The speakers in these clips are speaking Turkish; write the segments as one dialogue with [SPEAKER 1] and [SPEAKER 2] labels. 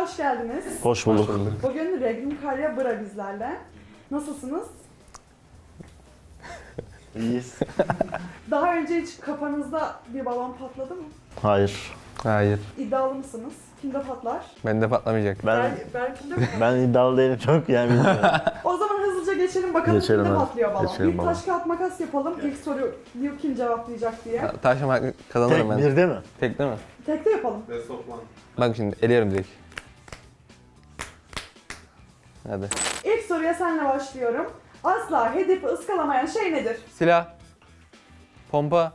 [SPEAKER 1] hoş geldiniz.
[SPEAKER 2] Hoş bulduk.
[SPEAKER 1] Bugün Regin Karya Bıra bizlerle. Nasılsınız?
[SPEAKER 2] İyiyiz.
[SPEAKER 1] Daha önce hiç kafanızda bir balon patladı mı?
[SPEAKER 2] Hayır.
[SPEAKER 3] Hayır.
[SPEAKER 1] İddialı mısınız? Kimde patlar?
[SPEAKER 3] Bende patlamayacak.
[SPEAKER 1] Berkin'de mi?
[SPEAKER 2] Ben iddialı değilim çok yani bilmiyorum.
[SPEAKER 1] O zaman hızlıca geçelim bakalım
[SPEAKER 2] Geçelim
[SPEAKER 1] kimde
[SPEAKER 2] hadi.
[SPEAKER 1] patlıyor balon.
[SPEAKER 2] Geçelim
[SPEAKER 1] Bir
[SPEAKER 2] balon.
[SPEAKER 1] taş kağıt makas yapalım. İlk soru kim cevaplayacak diye.
[SPEAKER 3] Taşımak kazanırım
[SPEAKER 2] Tek
[SPEAKER 3] ben.
[SPEAKER 2] birde mi?
[SPEAKER 3] Tek değil mi?
[SPEAKER 1] Tekte yapalım.
[SPEAKER 3] Bak şimdi eliyorum direkt. Hadi.
[SPEAKER 1] İlk soruya senle başlıyorum. Asla hedefi ıskalamayan şey nedir?
[SPEAKER 3] Silah. Pompa.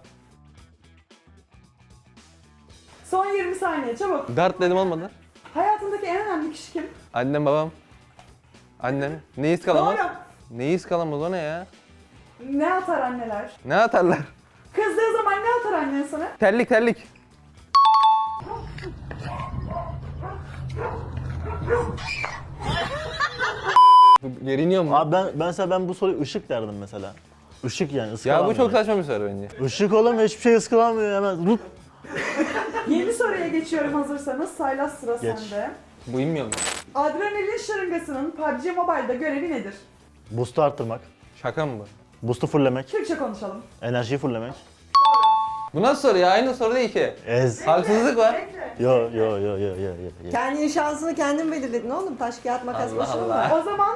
[SPEAKER 1] Son 20 saniye çabuk.
[SPEAKER 3] Dart dedim olmadı.
[SPEAKER 1] Hayatındaki en önemli kişi kim?
[SPEAKER 3] Annem babam. Annem. Neyi iskalamaz?
[SPEAKER 1] Doğru.
[SPEAKER 3] Neyi iskalamaz o ne ya?
[SPEAKER 1] Ne atar anneler?
[SPEAKER 3] Ne atarlar?
[SPEAKER 1] Kızdığı zaman ne atar annen sana?
[SPEAKER 3] Terlik terlik. Geriniyor mu?
[SPEAKER 2] Abi ben bu soruyu ışık derdim mesela. Işık yani
[SPEAKER 3] Ya
[SPEAKER 2] ıskalamıyor.
[SPEAKER 3] bu çok saçma bir soru bence.
[SPEAKER 2] Işık oğlum hiçbir şey ıskalamıyor hemen. Rut.
[SPEAKER 1] Yeni soruya geçiyorum hazırsanız. Saylas sıra
[SPEAKER 2] Geç.
[SPEAKER 1] sende.
[SPEAKER 3] Bu inmiyor mu?
[SPEAKER 1] Adrenalin şırıngasının PUBG Mobile'da görevi nedir?
[SPEAKER 2] Boost'u arttırmak.
[SPEAKER 3] Şaka mı bu?
[SPEAKER 2] Boost'u fulllemek.
[SPEAKER 1] Türkçe konuşalım.
[SPEAKER 2] Enerjiyi fulllemek.
[SPEAKER 3] Bu nasıl soru ya? Aynı soru değil ki.
[SPEAKER 2] Ez.
[SPEAKER 3] Haksızlık var.
[SPEAKER 1] Bekle.
[SPEAKER 2] Yo.
[SPEAKER 4] Kendinin şansını kendin belirledin oğlum. Taş kağıt makas
[SPEAKER 3] Allah
[SPEAKER 4] boşuna
[SPEAKER 3] Allah.
[SPEAKER 4] mı?
[SPEAKER 1] O zaman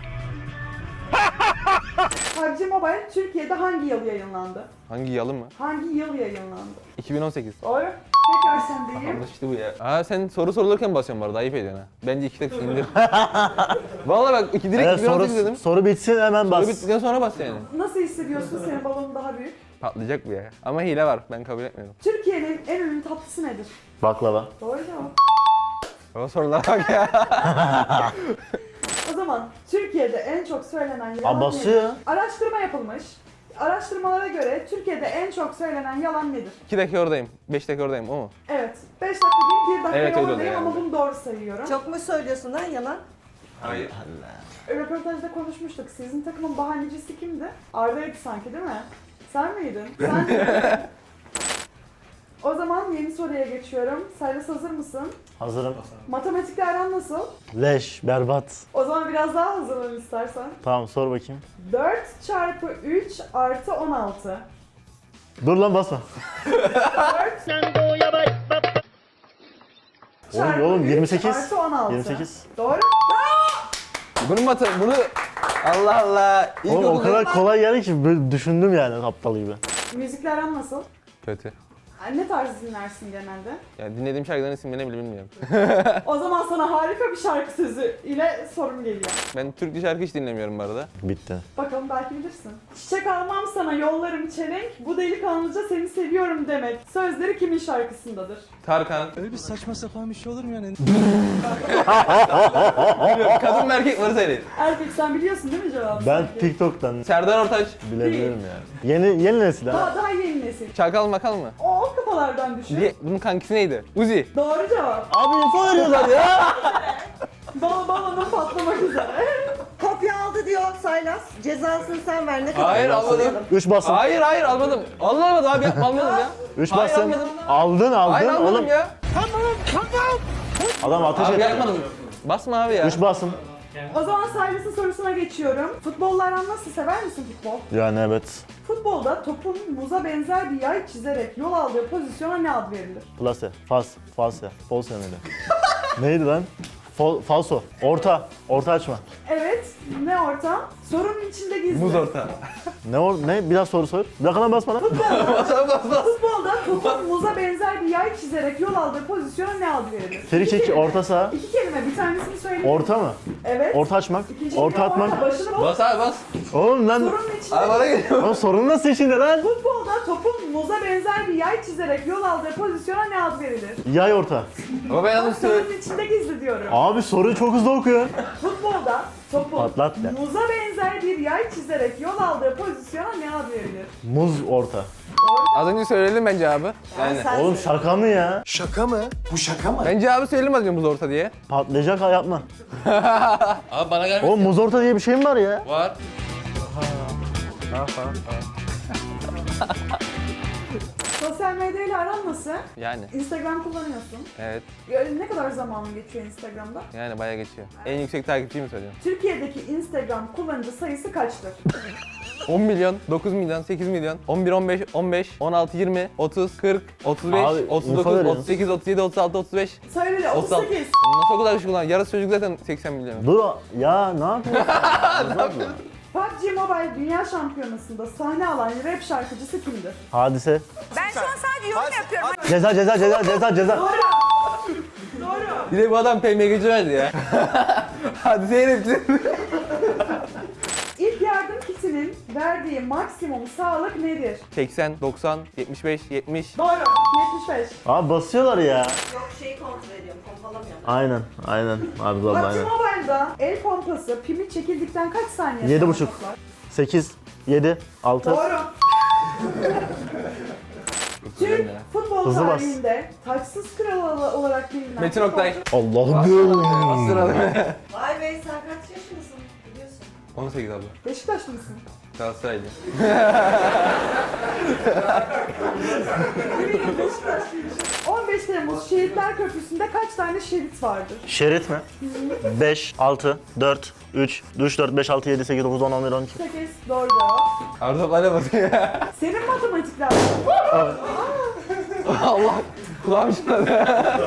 [SPEAKER 1] PUBG Mobile Türkiye'de hangi yıl yayınlandı?
[SPEAKER 3] Hangi yalı mı?
[SPEAKER 1] Hangi yıl yayınlandı?
[SPEAKER 3] 2018.
[SPEAKER 1] Doğru. Tekrar sendeyim.
[SPEAKER 3] Yanlış işte bu ya. Aa sen soru sorulurken basıyorsun bu arada, ayıp ediyorsun ha. Bence 2 dakika indir. Vallahi bak direkt
[SPEAKER 2] Evet,
[SPEAKER 3] 2018 dedim.
[SPEAKER 2] soru bitsin hemen
[SPEAKER 3] Soru
[SPEAKER 2] bas.
[SPEAKER 3] bittikten sonra bas yani.
[SPEAKER 1] Nasıl hissediyorsun? Senin balonun daha büyük.
[SPEAKER 3] Patlayacak bu ya. Ama hile var, ben kabul etmiyorum.
[SPEAKER 1] Türkiye'nin en ünlü tatlısı nedir?
[SPEAKER 2] Baklava.
[SPEAKER 1] Doğru cevap.
[SPEAKER 3] O sorulara bak ya.
[SPEAKER 1] O zaman Türkiye'de en çok söylenen yalan
[SPEAKER 2] Abi basıyor.
[SPEAKER 1] nedir? Araştırma yapılmış. Araştırmalara göre Türkiye'de en çok söylenen yalan nedir?
[SPEAKER 3] 2 dakika oradayım, 5 dakika oradayım, o mu?
[SPEAKER 1] Evet. 5 dakika değil, 1 dakika
[SPEAKER 3] Evet, öyle
[SPEAKER 1] yoldayım
[SPEAKER 3] oluyor
[SPEAKER 1] ama
[SPEAKER 3] yani.
[SPEAKER 1] bunu doğru sayıyorum.
[SPEAKER 4] Çok mu söylüyorsun lan yalan?
[SPEAKER 3] Hayır.
[SPEAKER 1] Röportajda konuşmuştuk. Sizin takımın bahanecisi kimdi? Arda'ydı sanki değil mi? Sen miydin? Sen miydin? O zaman yeni soruya geçiyorum. Saylas hazır mısın?
[SPEAKER 2] Hazırım.
[SPEAKER 1] Matematikle aran nasıl?
[SPEAKER 2] Leş, berbat.
[SPEAKER 1] O zaman biraz daha hazırlan istersen.
[SPEAKER 2] Tamam sor bakayım.
[SPEAKER 1] 4 çarpı 3 artı 16.
[SPEAKER 2] Dur lan basma.
[SPEAKER 1] 4
[SPEAKER 2] Oğlum,
[SPEAKER 1] üç
[SPEAKER 2] 28.
[SPEAKER 1] Artı 16.
[SPEAKER 2] 28.
[SPEAKER 1] Doğru.
[SPEAKER 3] Bunu Allah Allah.
[SPEAKER 2] Oğlum o kadar kolay geldi ki böyle düşündüm yani aptal gibi.
[SPEAKER 1] Müzikle aran nasıl?
[SPEAKER 3] Kötü.
[SPEAKER 1] Ne tarz dinlersin genelde?
[SPEAKER 3] Ya dinlediğim şarkıların isimlerini bile bilmiyorum.
[SPEAKER 1] O zaman sana harika bir şarkı sözü ile sorum geliyor.
[SPEAKER 3] Ben Türkçe şarkı hiç dinlemiyorum bu arada.
[SPEAKER 2] Bitti.
[SPEAKER 1] Bakalım belki bilirsin. Çiçek almam sana yollarım çelenk, bu delikanlıca seni seviyorum demek. Sözleri kimin şarkısındadır?
[SPEAKER 3] Tarkan.
[SPEAKER 5] Öyle bir saçma sapan bir şey olur mu yani?
[SPEAKER 3] Kadın mı erkek mi söyleyin.
[SPEAKER 1] Erkek sen biliyorsun değil mi cevabı?
[SPEAKER 2] Ben
[SPEAKER 1] sanki?
[SPEAKER 2] TikTok'tan
[SPEAKER 3] Serdar Ortaç.
[SPEAKER 2] bilebilirim yani. Yeni nesil ha.
[SPEAKER 1] Daha yeni nesil.
[SPEAKER 3] Çakal makal mı?
[SPEAKER 1] O kafalardan düşün.
[SPEAKER 3] Bunun kankisi neydi? Uzi.
[SPEAKER 1] Doğru cevap.
[SPEAKER 2] Abi info veriyorlar ya.
[SPEAKER 1] Balonun patlamak üzere.
[SPEAKER 4] Kopya aldı diyor Saylas. Cezasını sen ver. Ne kadar?
[SPEAKER 3] Hayır almadım.
[SPEAKER 2] 3 basın.
[SPEAKER 3] Hayır almadım. Allah Allah abi almadım ya.
[SPEAKER 2] 3
[SPEAKER 3] Hayır,
[SPEAKER 2] basın.
[SPEAKER 3] almadım.
[SPEAKER 2] Aldın
[SPEAKER 3] Hayır almadım
[SPEAKER 2] oğlum.
[SPEAKER 3] ya.
[SPEAKER 2] Adam ateş
[SPEAKER 3] Abi
[SPEAKER 2] etti.
[SPEAKER 3] yapmadım. Basma abi ya.
[SPEAKER 2] 3 basın.
[SPEAKER 1] O zaman Saylas'ın sorusuna geçiyorum. Futbolla aran nasıl? Sever misin futbol?
[SPEAKER 2] Yani evet.
[SPEAKER 1] Futbolda topun muza benzer bir yay çizerek yol aldığı pozisyona ne ad verilir?
[SPEAKER 2] Plase, false miydi? Neydi lan? Falso. Orta açma.
[SPEAKER 1] Evet, ne orta? Sorunun içinde gizli.
[SPEAKER 3] Muz orta.
[SPEAKER 2] Ne? Bir daha soru sor. Bir dakika lan basma lan.
[SPEAKER 3] Bas.
[SPEAKER 1] Futbolda topun muza benzer bir yay çizerek yol aldığı pozisyona ne ad verilir?
[SPEAKER 2] Free
[SPEAKER 1] İki
[SPEAKER 2] kick,
[SPEAKER 1] kelime.
[SPEAKER 2] orta saha.
[SPEAKER 1] 2 kelime, bir tanesini söyleyeyim.
[SPEAKER 2] Orta mı?
[SPEAKER 1] Evet.
[SPEAKER 2] Orta açmak.
[SPEAKER 1] İkinci
[SPEAKER 2] Orta
[SPEAKER 1] kelime
[SPEAKER 2] atmak.
[SPEAKER 1] Başını bas.
[SPEAKER 3] Bas abi bas.
[SPEAKER 2] Oğlum lan.
[SPEAKER 1] Sorunun içinde
[SPEAKER 3] Abi bana geliyor.
[SPEAKER 2] Oğlum sorun nasıl içinde lan?
[SPEAKER 1] Futbolda topun muza benzer bir yay çizerek yol aldığı pozisyona ne ad verilir?
[SPEAKER 2] Yay orta.
[SPEAKER 3] Ama ben yanlış söyledim.
[SPEAKER 1] Sorunun içinde gizli diyorum.
[SPEAKER 2] Abi soruyu çok hızlı okuyor.
[SPEAKER 1] Futbolda topun
[SPEAKER 2] Patlat ya.
[SPEAKER 1] muza benzer bir yay çizerek yol aldığı pozisyona ne ad verilir?
[SPEAKER 2] Muz orta.
[SPEAKER 3] Az önce söyledim bence abi. Yani.
[SPEAKER 4] Sen
[SPEAKER 2] Oğlum şaka mı ya?
[SPEAKER 5] Şaka mı? Bu şaka mı?
[SPEAKER 3] Bence abi söyledim az önce muz orta diye.
[SPEAKER 2] Patlayacak ha yapma.
[SPEAKER 3] Abi bana gelmesin.
[SPEAKER 2] Oğlum muz orta diye bir şey mi var ya?
[SPEAKER 3] Var.
[SPEAKER 1] Nasıl Sosyal medyayla aran nasıl?
[SPEAKER 3] Yani.
[SPEAKER 1] Instagram kullanıyorsun.
[SPEAKER 3] Evet.
[SPEAKER 1] Ne kadar zamanın geçiyor Instagram'da?
[SPEAKER 3] Yani bayağı geçiyor. En yüksek takipçiyi mi söylüyorsun?
[SPEAKER 1] Türkiye'deki Instagram kullanıcı sayısı kaçtır?
[SPEAKER 3] 10 milyon, 9 milyon, 8 milyon, 11, 15, 15, 16, 20, 30, 40, 35,
[SPEAKER 2] Abi, info
[SPEAKER 3] 39,
[SPEAKER 2] veriyorsun.
[SPEAKER 3] 38, 37, 36, 35.
[SPEAKER 1] Söyle
[SPEAKER 3] 36.
[SPEAKER 1] 38.
[SPEAKER 3] Nasıl o kadar düşük ulan? Yarısı çocuk zaten 80 milyon.
[SPEAKER 2] Dur ya ne yapıyorsun?
[SPEAKER 1] PUBG Mobile Dünya Şampiyonası'nda sahne alan rap şarkıcısı kimdir?
[SPEAKER 2] Hadise.
[SPEAKER 6] Ben şu an sadece yorum yapıyorum.
[SPEAKER 2] Ceza.
[SPEAKER 1] Doğru. Doğru.
[SPEAKER 3] Bir de bu adam PMG'ci verdi ya. Hadi seyret.
[SPEAKER 1] İlk yardım kitinin verdiği maksimum sağlık nedir?
[SPEAKER 3] 80, 90, 75, 70.
[SPEAKER 1] Doğru. 75.
[SPEAKER 2] Abi basıyorlar ya.
[SPEAKER 4] Yok şeyi kontrol ediyorum. Pompalamıyorum.
[SPEAKER 2] Aynen. Arzu abla
[SPEAKER 1] PUBG
[SPEAKER 2] aynen.
[SPEAKER 1] Mobile'da el pompası pimi çekildikten kaç saniye
[SPEAKER 2] 7,5.
[SPEAKER 1] sonra patlar?
[SPEAKER 2] 8, 7, 6.
[SPEAKER 1] Doğru. Türk
[SPEAKER 3] ya.
[SPEAKER 1] futbol
[SPEAKER 2] Hızlı bas.
[SPEAKER 1] tarihinde taçsız kralı olarak bilinen
[SPEAKER 3] Metin Oktay.
[SPEAKER 2] Allah'ım.
[SPEAKER 3] Astıralı.
[SPEAKER 4] Vay be sen kaç yaşındasın biliyorsun.
[SPEAKER 3] 18 abla.
[SPEAKER 1] Beşiktaşlı mısın?
[SPEAKER 3] Galatasaraylı.
[SPEAKER 1] 15 Temmuz Şehitler Köprüsü'nde kaç tane şerit vardır?
[SPEAKER 2] Şerit mi? 5, 6, 4, 3, 4, 5, 6, 7, 8, 9, 10, 11, 12.
[SPEAKER 1] 8. Doğru cevap.
[SPEAKER 3] Arda abla ne basıyor ya?
[SPEAKER 1] Senin matematikler.
[SPEAKER 3] Allah. Kulağım şıkladı.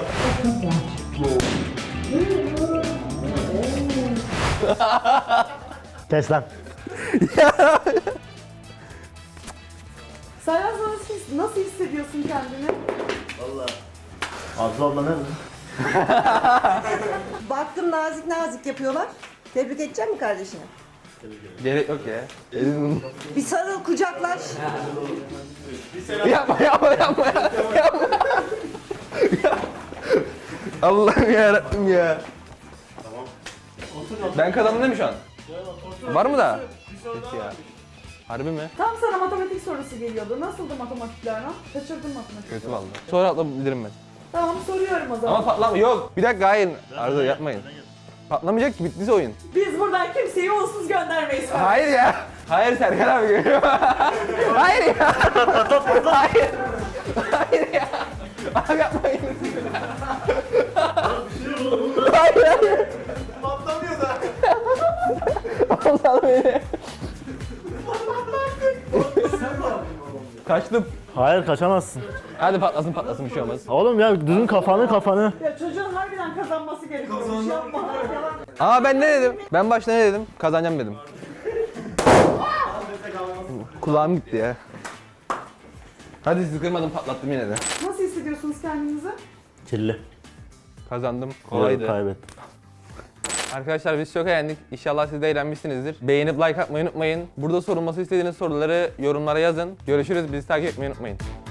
[SPEAKER 2] Kes lan.
[SPEAKER 1] Sen nasıl hissediyorsun kendini?
[SPEAKER 2] Arzu abla nerede?
[SPEAKER 4] Baktım nazik yapıyorlar. Tebrik edecek mi kardeşini?
[SPEAKER 3] Gerek yok ya. Elin
[SPEAKER 4] Bir sarıl kucaklaş.
[SPEAKER 3] yapma. Allah'ım yarabbim ya. Tamam. Ben kazandım değil mi şu an? Var mı da? Peki ya. Harbi mi?
[SPEAKER 1] Tam sana matematik sorusu geliyordu. Nasıldı matematiklerden? Kaçırdın matematik.
[SPEAKER 3] Kötü vallahi. Sonra atlayabilirim ben.
[SPEAKER 1] Tamam soruyorum o zaman.
[SPEAKER 3] Ama patlama. Yok. Bir dakika hayır. Arda yapmayın. Patlamayacak ki bittiyse oyun.
[SPEAKER 1] Biz buradan kimseyi onsuz göndermeyiz.
[SPEAKER 3] Hayır ya. Hayır Serkan abi geliyor. Hayır ya. Hayır. Hayır ya. Abi yapmayın. Hayır. Patlamıyor da. Allah'ım beni. Kaçtım.
[SPEAKER 2] Hayır kaçamazsın.
[SPEAKER 3] Hadi patlasın bir şey olmaz.
[SPEAKER 2] Oğlum ya düzgün kafanı.
[SPEAKER 1] Ya çocuğun harbiden kazanması gerekiyormuş. Yapma. Yalan.
[SPEAKER 3] Ama ben ne dedim? Ben başta ne dedim? Kazanacağım dedim. Kulağım gitti ya. Hadi sizi kırmadım patlattım yine de.
[SPEAKER 1] Nasıl hissediyorsunuz kendinizi?
[SPEAKER 2] Kirli.
[SPEAKER 3] Kazandım. Kolaydı.
[SPEAKER 2] Kaybettim.
[SPEAKER 3] Arkadaşlar biz çok eğlendik. İnşallah siz de eğlenmişsinizdir. Beğenip like atmayı unutmayın. Burada sorulması istediğiniz soruları yorumlara yazın. Görüşürüz. Bizi takip etmeyi unutmayın.